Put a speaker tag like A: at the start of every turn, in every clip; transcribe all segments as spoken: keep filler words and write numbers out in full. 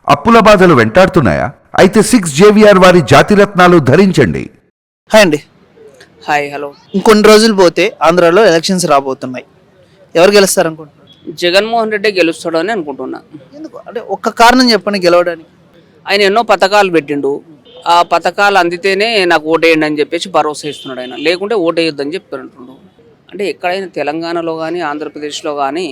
A: అప్పుల బాధలు వెంటాడుతున్నాయా? అయితే సిక్స్ జేవిఆర్ వారి జాతిరత్నాలు ధరించండి.
B: హాయ్ అండి.
C: Hi hello.
B: ఇంకొన్ని రోజులు పోతే ఆంధ్రాలో ఎలక్షన్స్ రాబోతున్నాయి. ఎవరు గెలుస్తారు అనుకుంటున్నారు?
C: జగన్మోహన్ రెడ్డి గెలుస్తాడు అని అనుకుంటున్నా.
B: ఎందుకు అంటే ఒక్క కారణం చెప్పండి గెలవడానికి.
C: ఆయన ఎన్నో పథకాలు పెట్టిండు. ఆ పథకాలు అందితేనే నాకు ఓటేయండి అని చెప్పేసి భరోసా ఇస్తున్నాడు ఆయన. లేకుంటే ఓటేయొద్దని చెప్పారంటుండు. అంటే ఎక్కడైనా తెలంగాణలో కానీ ఆంధ్రప్రదేశ్లో కానీ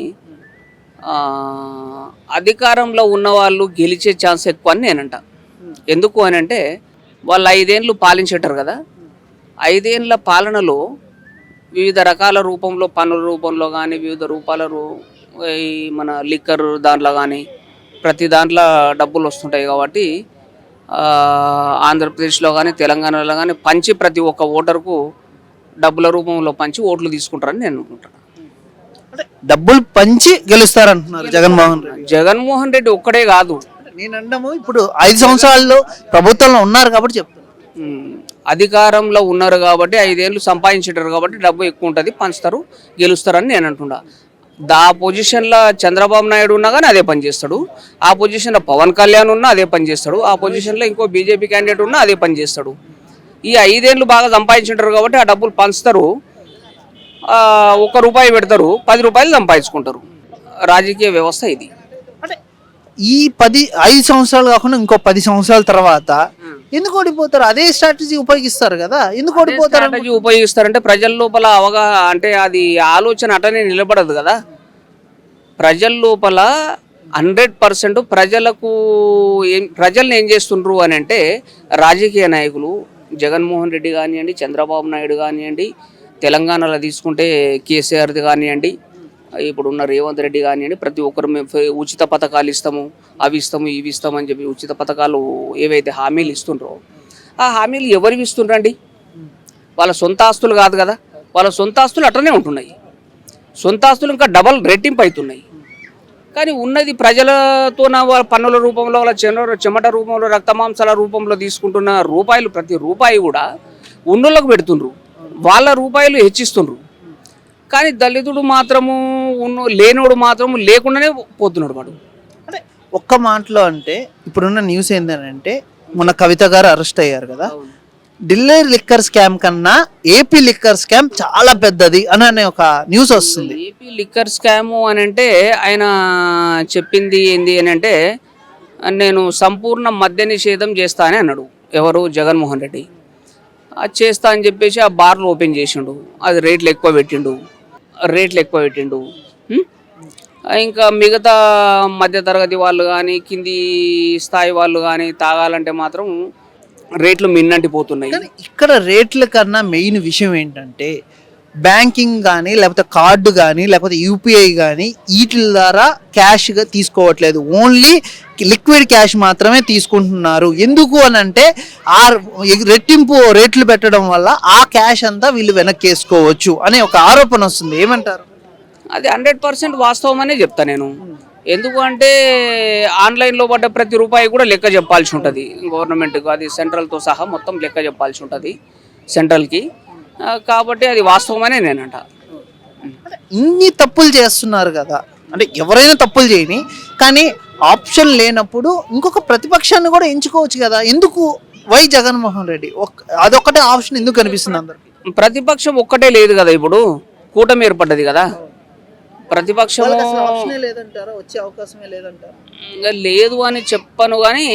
C: అధికారంలో ఉన్న వాళ్ళు గెలిచే ఛాన్స్ ఎక్కువ అని నేనంట. ఎందుకు అని అంటే వాళ్ళు ఐదేళ్ళు పాలించేటారు కదా. ఐదేళ్ల పాలనలో వివిధ రకాల రూపంలో పన్నుల రూపంలో కానీ వివిధ రూపాల రూ ఈ మన లిక్కర్ దాంట్లో కానీ ప్రతి దాంట్లో డబ్బులు వస్తుంటాయి కాబట్టి ఆంధ్రప్రదేశ్లో కానీ తెలంగాణలో కానీ పంచి ప్రతి ఒక్క ఓటర్కు డబ్బుల రూపంలో పంచి ఓట్లు తీసుకుంటారని నేను అనుకుంటాను.
B: అంటే డబ్బులు పంచి గెలుస్తారంటున్నారు జగన్మోహన్ రెడ్డి.
C: జగన్మోహన్ రెడ్డి ఒక్కడే కాదు,
B: నేను అంటాము ఇప్పుడు ఐదు సంవత్సరాల్లో ప్రభుత్వంలో ఉన్నారు కాబట్టి చెప్తాను.
C: అధికారంలో ఉన్నారు కాబట్టి ఐదేళ్ళు సంపాదించారు కాబట్టి డబ్బు ఎక్కువ ఉంటుంది, పంచుతారు, గెలుస్తారని నేను అంటున్నా. దా పొజిషన్లో చంద్రబాబు నాయుడు ఉన్నా కానీ అదే పని చేస్తాడు. ఆ పొజిషన్లో పవన్ కళ్యాణ్ ఉన్నా అదే పని చేస్తాడు. ఆ పొజిషన్లో ఇంకో బీజేపీ క్యాండిడేట్ ఉన్నా అదే పని చేస్తాడు. ఈ ఐదేళ్ళు బాగా సంపాదించారు కాబట్టి ఆ డబ్బులు పంచుతారు. ఒక రూపాయి పెడతారు, పది రూపాయలు సంపాదించుకుంటారు. రాజకీయ వ్యవస్థ ఇది.
B: అంటే ఈ పది ఐదు సంవత్సరాలు కాకుండా ఇంకో పది సంవత్సరాల తర్వాత ఎందుకు ఓడిపోతారు? అదే స్ట్రాటజీ ఉపయోగిస్తారు కదా, ఎందుకు ఓడిపోతారు?
C: స్ట్రాటజీ ఉపయోగిస్తారంటే ప్రజల లోపల అవగా అంటే అది ఆలోచన అటనే నిలబడదు కదా. ప్రజల లోపల హండ్రెడ్ పర్సెంట్ ప్రజలకు ఏం ప్రజల్ని ఏం చేస్తుండ్రు అని అంటే రాజకీయ నాయకులు జగన్మోహన్ రెడ్డి కానివ్వండి, చంద్రబాబు నాయుడు కానివ్వండి, తెలంగాణలో తీసుకుంటే కేసీఆర్ది కానివ్వండి, ఇప్పుడున్న రేవంత్ రెడ్డి కానివ్వండి, ప్రతి ఒక్కరు మేము ఉచిత పథకాలు ఇస్తాము, అవి ఇస్తాము, ఇవి ఇస్తాము అని చెప్పి ఉచిత పథకాలు ఏవైతే హామీలు ఇస్తుండ్రో ఆ హామీలు ఎవరివి ఇస్తుండ్రండి? వాళ్ళ సొంత ఆస్తులు కాదు కదా. వాళ్ళ సొంత ఆస్తులు అట్లనే ఉంటున్నాయి. సొంత ఆస్తులు ఇంకా డబల్ రెట్టింపు అవుతున్నాయి. కానీ ఉన్నది ప్రజలతో వాళ్ళ పన్నుల రూపంలో వాళ్ళ చెమట చెమట రూపంలో రక్తమాంసాల రూపంలో తీసుకుంటున్న రూపాయలు ప్రతి రూపాయి కూడా ఉన్నోళ్ళకు పెడుతుండ్రు, వాళ్ళ రూపాయలు హెచ్చిస్తుండ్రు. కానీ దళితుడు మాత్రము ఉన్న లేనోడు మాత్రము లేకుండానే పోతున్నాడు వాడు.
B: అంటే ఒక్క మాటలో అంటే ఇప్పుడున్న న్యూస్ ఏంటంటే మొన్న కవిత గారు అరెస్ట్ అయ్యారు కదా. ఢిల్లీ లిక్కర్ స్కామ్ కన్నా ఏపీ లిక్కర్ స్కామ్ చాలా పెద్దది అని అనే ఒక న్యూస్ వస్తుంది.
C: ఏపీ లిక్కర్ స్కాము అని అంటే ఆయన చెప్పింది ఏంది అని అంటే నేను సంపూర్ణ మద్య నిషేధం చేస్తా అని అన్నాడు. ఎవరు? జగన్మోహన్ రెడ్డి. అది చేస్తా అని చెప్పేసి ఆ బార్లు ఓపెన్ చేసిండు. అది రేట్లు ఎక్కువ పెట్టిండు రేట్లు ఎక్కువ పెట్టిండు ఇంకా మిగతా మధ్యతరగతి వాళ్ళు కానీ కింది స్థాయి వాళ్ళు కానీ తాగాలంటే మాత్రం రేట్లు మిన్నంటిపోతున్నాయి.
B: ఇక్కడ రేట్ల కన్నా మెయిన్ విషయం ఏంటంటే బ్యాంకింగ్ కానీ లేకపోతే కార్డు కానీ లేకపోతే యూపీఐ కానీ వీటి ద్వారా క్యాష్గా తీసుకోవట్లేదు, ఓన్లీ లిక్విడ్ క్యాష్ మాత్రమే తీసుకుంటున్నారు. ఎందుకు అని అంటే ఆ రెట్టింపు రేట్లు పెట్టడం వల్ల ఆ క్యాష్ అంతా వీళ్ళు వెనక్కి వేసుకోవచ్చు అనే ఒక ఆరోపణ వస్తుంది. ఏమంటారు?
C: అది హండ్రెడ్ పర్సెంట్ వాస్తవం అనే చెప్తా నేను. ఎందుకు అంటే ఆన్లైన్లో పడ్డ ప్రతి రూపాయి కూడా లెక్క చెప్పాల్సి ఉంటుంది గవర్నమెంట్కి. అది సెంట్రల్తో సహా మొత్తం లెక్క చెప్పాల్సి ఉంటుంది సెంట్రల్కి. కాబట్టి అది వాస్తవమనే నేనంట.
B: ఇన్ని తప్పులు చేస్తున్నారు కదా, అంటే ఎవరైనా తప్పులు చేయని, కానీ ఆప్షన్ లేనప్పుడు ఇంకొక ప్రతిపక్షాన్ని కూడా ఎంచుకోవచ్చు కదా. ఎందుకు వై జగన్మోహన్ రెడ్డి అదొక్కటే ఆప్షన్ ఎందుకు కనిపిస్తుంది అందరికి?
C: ప్రతిపక్షం ఒక్కటే లేదు కదా, ఇప్పుడు కూటమి ఏర్పడ్డది కదా. ప్రతిపక్షం
B: వచ్చే అవకాశమే లేదంటారా?
C: లేదు అని చెప్పను, కానీ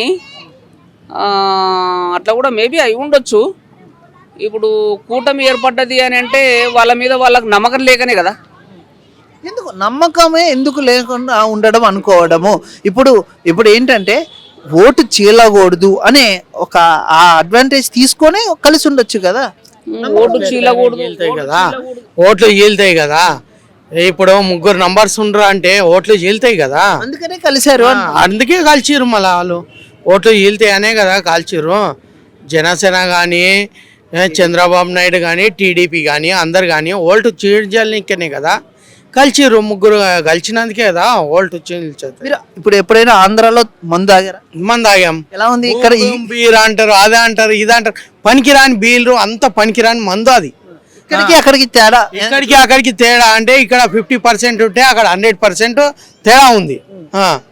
C: అట్లా కూడా మేబీ అయి ఉండొచ్చు. ఇప్పుడు కూటమి ఏర్పడ్డది అని అంటే వాళ్ళ మీద వాళ్ళకి నమ్మకం లేకనే కదా.
B: ఎందుకు నమ్మకమే ఎందుకు లేకుండా ఉండడం అనుకోవడము. ఇప్పుడు ఇప్పుడు ఏంటంటే ఓటు చీలకూడదు అనే ఒక ఆ అడ్వాంటేజ్ తీసుకొని కలిసి ఉండొచ్చు కదా.
C: ఓటు చీలకూడదు
D: కదా, ఓట్లు చీలుతాయి కదా. ఇప్పుడు ముగ్గురు నంబర్స్ ఉండరు అంటే ఓట్లు చీలుతాయి కదా,
B: అందుకనే కలిసారు.
D: అందుకే కాల్చిరు మళ్ళీ వాళ్ళు. ఓట్లు చీలుతాయి అనే కదా కాల్చిరు. జనసేన కానీ చంద్రబాబు నాయుడు కానీ టీడీపీ కానీ అందరు కానీ ఓల్ట్ చీల్చడానికనే కదా కలిసిరు. ముగ్గురు కలిసినందుకే కదా ఓల్ట్ చీల్చేది.
B: ఇప్పుడు ఎప్పుడైనా ఆంధ్రాలో మందు తాగారా?
D: మందు తాగాం.
B: ఎలా ఉంది ఇక్కడ?
D: బీర్ అంటారు, అదే అంటారు, ఇది అంటారు. పనికిరాని బీర్లు అంత పనికిరాని మందు అది.
B: ఇక్కడికి అక్కడికి తేడా,
D: ఇక్కడికి అక్కడికి తేడా అంటే ఇక్కడ ఫిఫ్టీ పర్సెంట్ ఉంటే అక్కడ హండ్రెడ్ పర్సెంట్ తేడా ఉంది.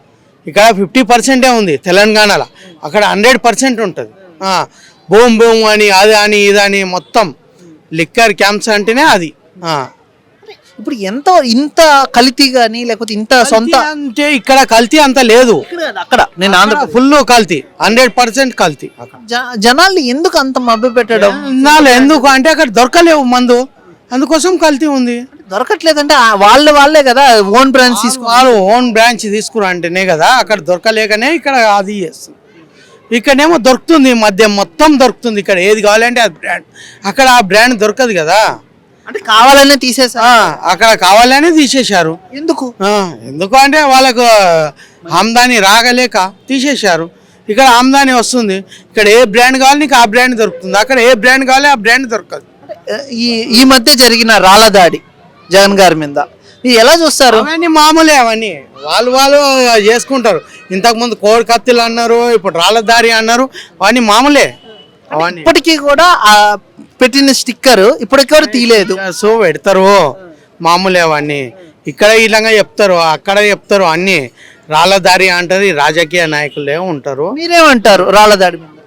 D: ఇక్కడ ఫిఫ్టీ పర్సెంటే ఉంది తెలంగాణలో, అక్కడ హండ్రెడ్ పర్సెంట్ ఉంటుంది. బూమ్ బూమ్ అని అది అని ఇది అని మొత్తం లిక్కర్ క్యాంప్స్ అంటేనే అది. ఆ.
B: ఇప్పుడు ఎంత ఇంత కల్తీ కానీ లేకపోతే ఇంత సొంత
D: కల్తీ అంటే ఇక్కడ కల్తీ అంత లేదు,
B: ఇక్కడ కాదు, అక్కడ నేను ఆంధ్ర
D: ఫుల్ కల్తీ, హండ్రెడ్ పర్సెంట్ కల్తీ.
B: జ- జనాల్ని ఎందుకు అంత మభ్య పెట్టడం?
D: నాలు ఎందుకు అంటే అక్కడ దొరకలేవు మందు, అందుకోసం కల్తీ ఉంది.
B: దొరకట్లేదంటే ఆ వాళ్ళ వాళ్ళే కదా ఓన్ బ్రాండ్స్ తీసుకు
D: వాళ్ళు ఓన్ బ్రాంచ్ తీసుకురా అంటేనే కదా, అక్కడ దొరకలేకనే ఇక్కడ అది చేస్తుంది. ఇక్కడేమో దొరుకుతుంది, మద్యం మొత్తం దొరుకుతుంది. ఇక్కడ ఏది కావాలంటే అది బ్రాండ్, అక్కడ ఆ బ్రాండ్ దొరకదు కదా.
B: అంటే కావాలనే తీసేసా.
D: ఆ, అక్కడ కావాలనే తీసేశారు.
B: ఎందుకు?
D: ఆ, ఎందుకు అంటే వాళ్ళకు ఆమ్దాని రాగలేక తీసేశారు. ఇక్కడ ఆమ్దాని వస్తుంది, ఇక్కడ ఏ బ్రాండ్ కావాలి నీకు ఆ బ్రాండ్ దొరుకుతుంది, అక్కడ ఏ బ్రాండ్ కావాలి ఆ బ్రాండ్ దొరకదు.
B: ఈ ఈ మధ్య జరిగిన రాళ్ళ దాడి జగన్ గారి మీద ఇది ఎలా చూస్తారు?
D: అవన్నీ మామూలే, అవన్నీ వాళ్ళు వాళ్ళు చేసుకుంటారు. ఇంతకుముందు కోడి కత్తులు అన్నారు, ఇప్పుడు రాళ్ళ దారి అన్నారు, అవన్నీ మామూలే. అవన్నీ
B: ఇప్పటికీ కూడా ఆ పెట్టిన స్టిక్కర్ ఇప్పటికీ కూడా తీయలేదు.
D: సో పెడతారు, మామూలే అవన్నీ. ఇక్కడ ఇలాగా చెప్తారు, అక్కడ చెప్తారు, అన్ని రాళ్ళ దారి అంటారు. ఈ రాజకీయ నాయకులే ఉంటారు.
B: మీరేమంటారు రాళ్ళ దాడి మీద?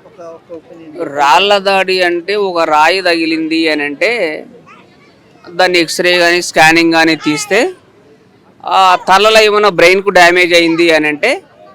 C: రాళ్ళ దాడి అంటే ఒక రాయి తగిలింది అని అంటే దాన్ని ఎక్స్రే కానీ స్కానింగ్ కానీ తీస్తే ఆ తలలో ఏమైనా బ్రెయిన్కు డ్యామేజ్ అయింది అని అంటే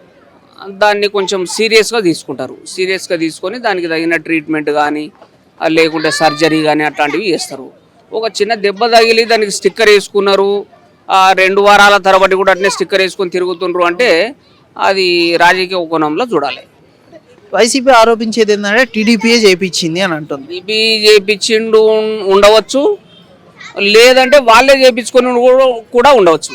C: దాన్ని కొంచెం సీరియస్గా తీసుకుంటారు. సీరియస్గా తీసుకొని దానికి తగిన ట్రీట్మెంట్ కానీ లేకుంటే సర్జరీ కానీ అట్లాంటివి చేస్తారు. ఒక చిన్న దెబ్బ తగిలి దానికి స్టిక్కర్ వేసుకున్నారు, ఆ రెండు వారాల తరబడి కూడా అట్నే స్టిక్కర్ వేసుకొని తిరుగుతుండ్రు అంటే అది రాజకీయ కోణంలో చూడాలి.
B: వైసీపీ ఆరోపించేది ఏంటంటే టీడీపీయే చేయించింది అని అంటుంది.
C: బీపీ చేయించిండు ఉండవచ్చు, లేదంటే వాళ్ళే చేయించుకొని కూడా ఉండవచ్చు.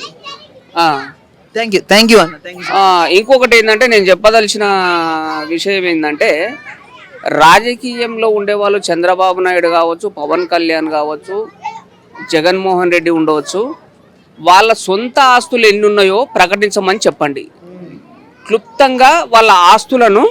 B: థ్యాంక్ యూ థ్యాంక్ యూ అన్న థ్యాంక్ యూ.
C: ఇంకొకటి ఏంటంటే నేను చెప్పదలిచిన విషయం ఏంటంటే రాజకీయంలో ఉండేవాళ్ళు చంద్రబాబు నాయుడు కావచ్చు, పవన్ కళ్యాణ్ కావచ్చు, జగన్మోహన్ రెడ్డి ఉండవచ్చు, వాళ్ళ సొంత ఆస్తులు ఎన్ని ఉన్నాయో ప్రకటించమని చెప్పండి. క్లుప్తంగా వాళ్ళ ఆస్తులను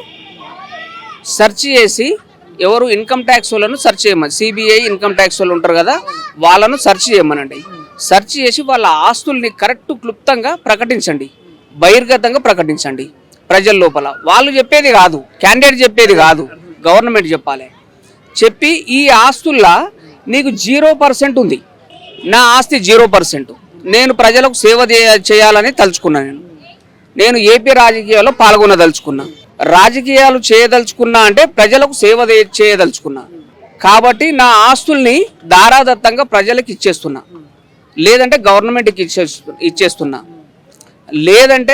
C: సెర్చ్ చేసి ఎవరు ఇన్కమ్ ట్యాక్స్ వాళ్ళను సెర్చ్ చేయమని, సిబిఐ ఇన్కమ్ ట్యాక్స్ వాళ్ళు ఉంటారు కదా, వాళ్ళను సెర్చ్ చేయమనండి. సెర్చ్ చేసి వాళ్ళ ఆస్తుల్ని కరెక్ట్ క్లుప్తంగా ప్రకటించండి, బహిర్గతంగా ప్రకటించండి ప్రజల లోపల. వాళ్ళు చెప్పేది కాదు, క్యాండిడేట్ చెప్పేది కాదు, గవర్నమెంట్ చెప్పాలి. చెప్పి ఈ ఆస్తుల్లో నీకు జీరో పర్సెంట్ ఉంది, నా ఆస్తి జీరో పర్సెంట్, నేను ప్రజలకు సేవ చేయాలని తలుచుకున్నా. నేను నేను ఏపీ రాజకీయాల్లో పాల్గొనదలుచుకున్నా, రాజకీయాలు చేయదలుచుకున్నా అంటే ప్రజలకు సేవ చేయదలుచుకున్నా. కాబట్టి నా ఆస్తుల్ని దారాదత్తంగా ప్రజలకు ఇచ్చేస్తున్నా, లేదంటే గవర్నమెంట్కి ఇచ్చేస్తు ఇచ్చేస్తున్నా లేదంటే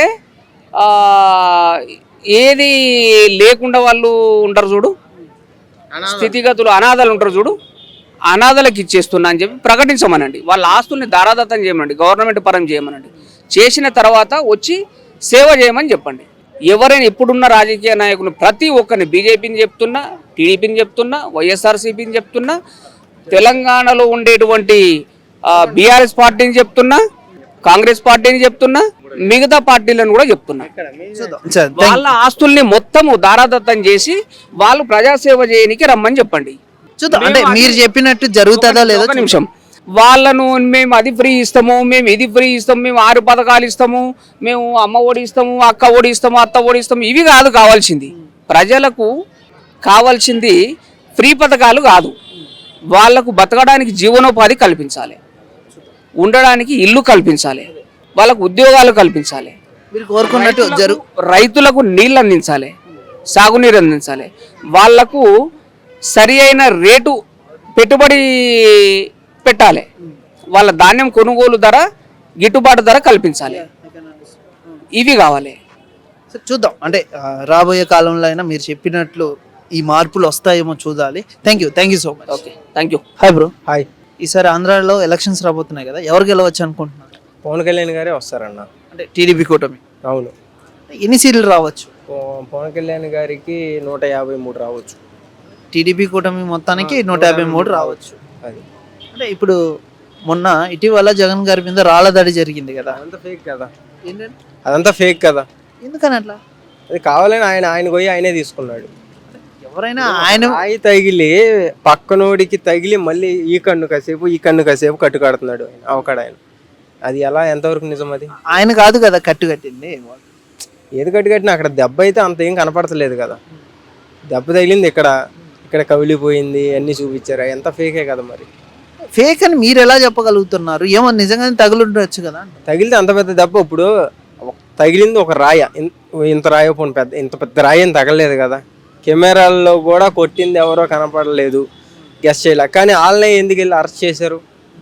C: ఏది లేకుండా వాళ్ళు ఉంటారు చూడు, స్థితిగతులు అనాథలు ఉంటారు చూడు, అనాథలకు ఇచ్చేస్తున్నా అని చెప్పి ప్రకటించమనండి. వాళ్ళ ఆస్తుల్ని దారాదత్తం చేయమనండి, గవర్నమెంట్ పరం చేయమనండి. చేసిన తర్వాత వచ్చి సేవ చేయమని చెప్పండి. ఎవరైనా ఇప్పుడున్న రాజకీయ నాయకులు ప్రతి ఒక్కరిని, బీజేపీని చెప్తున్నా, టీడీపీని చెప్తున్నా, వైఎస్ఆర్సీపీని చెప్తున్నా, తెలంగాణలో ఉండేటువంటి బీఆర్ఎస్ పార్టీని చెప్తున్నా, కాంగ్రెస్ పార్టీని చెప్తున్నా, మిగతా పార్టీలను కూడా చెప్తున్నా. వాళ్ళ ఆస్తుల్ని మొత్తము దారాదత్తం చేసి వాళ్ళు ప్రజాసేవ చేయడానికి రమ్మని చెప్పండి.
B: చూద్దాం, అంటే మీరు చెప్పినట్టు జరుగుతుందా లేదా.
C: ఒక నిమిషం, వాళ్ళను మేము అది ఫ్రీ ఇస్తాము, మేము ఇది ఫ్రీ ఇస్తాము, మేము ఆరు పథకాలు ఇస్తాము, మేము అమ్మ ఒడి ఇస్తాము, అక్క ఒడి ఇస్తాము, అత్త ఒడి ఇస్తాము, ఇవి కాదు కావాల్సింది. ప్రజలకు కావాల్సింది ఫ్రీ పథకాలు కాదు, వాళ్లకు బతకడానికి జీవనోపాధి కల్పించాలి, ఉండడానికి ఇల్లు కల్పించాలి, వాళ్ళకు ఉద్యోగాలు కల్పించాలి,
B: మీరు కోరుకున్నట్టు జరుగు
C: రైతులకు నీళ్ళు అందించాలి, సాగునీరు అందించాలి, వాళ్లకు సరి అయిన రేటు పెట్టుబడి పెట్టాలి, వాళ్ళ ధాన్యం కొనుగోలు ధర గిట్టుబాటు ధర కల్పించాలి. ఇవి కావాలి.
B: చూద్దాం, అంటే రాబోయే కాలంలో అయినా మీరు చెప్పినట్లు ఈ మార్పులు వస్తాయేమో చూడాలి. Thank you thank you so much.
C: Okay, thank you.
B: Hi bro.
E: Hi.
B: ఈసారి ఆంధ్రాలో ఎలక్షన్స్ రాబోతున్నాయి కదా, ఎవరు గెలవచ్చు అనుకుంటున్నారు?
E: పవన్ కళ్యాణ్ గారే వస్తారన్న.
B: అంటే టీడీపీ కూటమి.
E: అవును.
B: ఎన్ని సీట్లు రావచ్చు?
E: పవన్ కళ్యాణ్ గారికి నూట యాభై మూడు రావచ్చు.
B: టీడీపీ కూటమి మొత్తానికి నూట యాభై మూడు రావచ్చు.
E: అది
B: అంటే ఇప్పుడు మొన్న ఇటీవల జగన్ గారి మీద రాళ్ళ దాడి జరిగింది కదా,
E: అదంతా ఫేక్ కదా.
B: ఏంటంటే
E: అదంతా ఫేక్ కదా.
B: ఎందుకని అట్లా?
E: అది కావాలని ఆయన ఆయన పోయి ఆయనే తీసుకున్నాడు.
B: ఎవరైనా ఆయన
E: రాయి తగిలి పక్కనోడికి తగిలి మళ్ళీ ఈ కన్ను కాసేపు ఈ కన్ను కాసేపు కట్టు కడుతున్నాడు ఆయన, అవకాడు ఆయన. అది ఎలా, ఎంతవరకు నిజం? అది
B: ఆయన కాదు కదా కట్టు కట్టింది,
E: ఏది కట్టు కట్టినా అక్కడ దెబ్బ అయితే అంత ఏం కనపడతలేదు కదా. దెబ్బ తగిలింది ఇక్కడ, ఇక్కడ కవిలిపోయింది అన్నీ చూపించారు, ఎంత ఫేకే కదా మరి.
B: ఫేక్ అని మీరు ఎలా చెప్పగలుగుతున్నారు? ఏమో నిజంగానే తగులుండొచ్చు కదా.
E: తగిలితే అంత పెద్ద దెబ్బ, ఇప్పుడు ఒక- తగిలింది ఒక రాయ, ఇన్- ఇంత రాయ పోను పెద్ద, ఇంత పెద్ద రాయ ఏం తగలలేదు కదా. కెమెరాల్లో కూడా కొట్టింది ఎవరో కనపడలేదు, గెస్ చేయలే. కానీ వాళ్ళనే ఎందుకు వెళ్ళి అరెస్ట్ చేశారు?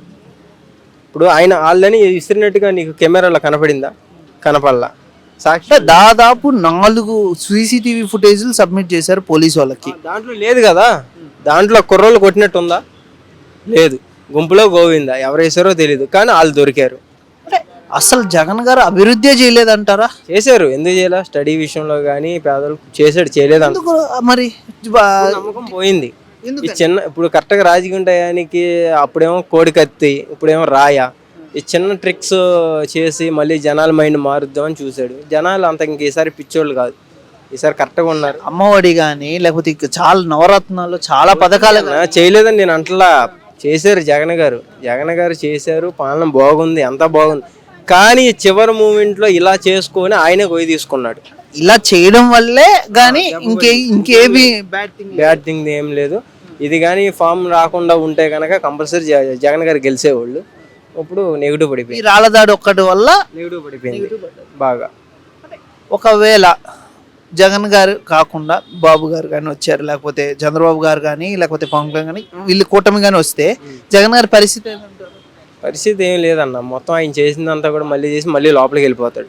E: ఇప్పుడు ఆయన వాళ్ళని విసిరినట్టుగా నీకు కెమెరాలో కనపడిందా? కనపడలా. సాక్షి
B: అంటే దాదాపు నాలుగు సీసీటీవీ ఫుటేజ్లు సబ్మిట్ చేశారు పోలీసు వాళ్ళకి.
E: దాంట్లో లేదు కదా. దాంట్లో కుర్రోళ్ళు కొట్టినట్టు ఉందా? లేదు. గుంపులో గోవిందా ఎవరు వేసారో తెలీదు, కానీ వాళ్ళు దొరికారు.
B: అంటే అసలు జగన్ గారు అభివృద్ధి చేయలేదంటారా?
E: చేశారు, ఎందుకు చేయలే? స్టడీ విషయంలో కానీ పేదలకు చేశాడు, చేయలేదు అంత
B: ఎందుకు మరి బా-
E: నమ్మకం పోయింది. ఈ
B: ఎందుకని?
E: చిన్న ఇప్పుడు కరెక్ట్గా రాజకీయ టయానికి అప్పుడేమో కోడి కత్తి, ఇప్పుడేమో రాయ, ఈ చిన్న ట్రిక్స్ చేసి మళ్ళీ జనాల మైండ్ మారుద్దామని చూశాడు. జనాలు అంత ఇంక ఈసారి పిచ్చోళ్ళు కాదు, ఈసారి కరెక్ట్గా ఉన్నారు.
B: అమ్మఒడి కానీ లేకపోతే ఇక చాలా నవరత్నాలు చాలా పథకాలు
E: ఆ, చేయలేదని నేను అంటలా, చేశారు జగన్ గారు. జగన్ గారు చేశారు, పాలన బాగుంది, అంతా బాగుంది. కానీ చివరి మూమెంట్లో ఇలా చేసుకొని ఆయనే గొయ్యి తీసుకున్నాడు.
B: ఇలా చేయడం వల్లే కానీ ఇంకే ఇంకేమి బ్యాడ్ థింగ్
E: బ్యాడ్ థింగ్ ఏం లేదు. ఇది కానీ ఫామ్ రాకుండా ఉంటే కనుక కంపల్సరీ జగన్ గారు గెలిచేవాళ్ళు. ఇప్పుడు నెగిటివ్
B: ఈ
E: పడిపోయింది,
B: రాళ్ళదాడి ఒక్కటి వల్ల
E: నెగిటివ్ పడిపోయింది బాగా.
B: ఒకవేళ జగన్ గారు కాకుండా బాబు గారు కానీ వచ్చారు, లేకపోతే చంద్రబాబు గారు కానీ లేకపోతే పవన్ కళ్యాణ్ కానీ వీళ్ళు కూటమి కానీ వస్తే జగన్ గారి పరిస్థితి ఏంటంటారు?
E: పరిస్థితి ఏం లేదన్న, మొత్తం ఆయన చేసిందంతా కూడా మళ్ళీ చేసి మళ్ళీ లోపలికి వెళ్ళిపోతాడు.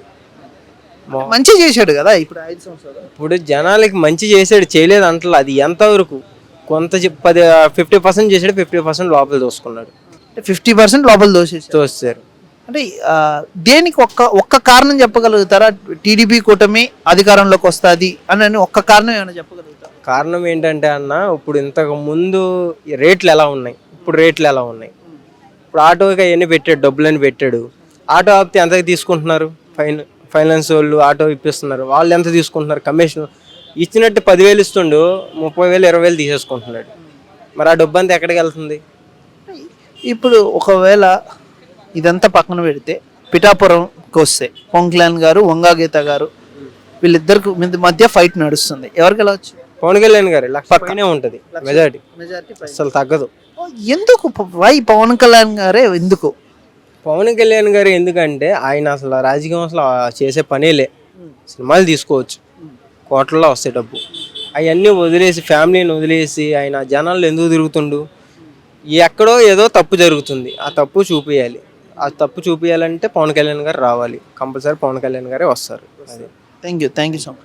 E: మొ-
B: మంచి చేశాడు కదా ఇప్పుడు ఐదు సంవత్సరాలు.
E: ఇప్పుడు జనాలకి మంచి చేసాడు, చేయలేదు అంటలా. అది ఎంతవరకు కొంత చెప్- పది ఫిఫ్టీ పర్సెంట్ చేసాడు, ఫిఫ్టీ పర్సెంట్ లోపల దోసుకున్నాడు,
B: ఫిఫ్టీ పర్సెంట్ లోపల దోషేశారు.
E: తోస్తారు.
B: అంటే ఆ, దేనికి ఒక్క ఒక్క కారణం చెప్పగలుగుతారా? టీడీపీ కూటమి అధికారంలోకి వస్తుంది అని అని ఒక్క కారణం ఏమైనా చెప్పగలుగుతారా?
E: కారణం ఏంటంటే అన్న, ఇప్పుడు ఇంతకు ముందు ఈ రేట్లు ఎలా ఉన్నాయి, ఇప్పుడు రేట్లు ఎలా ఉన్నాయి. ఇప్పుడు ఆటోకి అవన్నీ పెట్టాడు, డబ్బులని పెట్టాడు. ఆటో ఆపితే ఎంతకి తీసుకుంటున్నారు? ఫైన్ ఫైనాన్స్ వాళ్ళు ఆటో ఇప్పిస్తున్నారు, వాళ్ళు ఎంత తీసుకుంటున్నారు? కమిషన్ ఇచ్చినట్టు పదివేలు ఇస్తుండు, ముప్పై వేలు ఇరవై వేలు తీసేసుకుంటున్నాడు. మరి ఆ డబ్బు అంతా ఎక్కడికి వెళ్తుంది?
B: ఇప్పుడు ఒకవేళ ఇదంతా పక్కన పెడితే పిఠాపురంకి వస్తే పవన్ కళ్యాణ్ గారు వంగా గీత గారు వీళ్ళిద్దరికి మధ్య- మధ్య ఫైట్ నడుస్తుంది. ఎవరికి వెళ్ళవచ్చు?
E: పవన్ కళ్యాణ్ గారు లక్ష పైనే ఉంటుంది మెజారిటీ, అసలు తగ్గదు.
B: ఎందుకు వై పవన్ కళ్యాణ్ గారే ఎందుకు?
E: పవన్ కళ్యాణ్ గారు ఎందుకంటే ఆయన అసలు రాజకీయం అసలు చేసే పనేలే. సినిమాలు తీసుకోవచ్చు, కోట్లలో వస్తాయి డబ్బు, అవన్నీ వదిలేసి ఫ్యామిలీని వదిలేసి ఆయన జనాల్లో ఎందుకు తిరుగుతుండు? ఎక్కడో ఏదో తప్పు జరుగుతుంది, ఆ తప్పు చూపించాలి. ఆ తప్పు చూపించాలంటే పవన్ కళ్యాణ్ గారు రావాలి, కంపల్సరీ పవన్ కళ్యాణ్ గారే వస్తారు. అది
B: thank you thank you so much.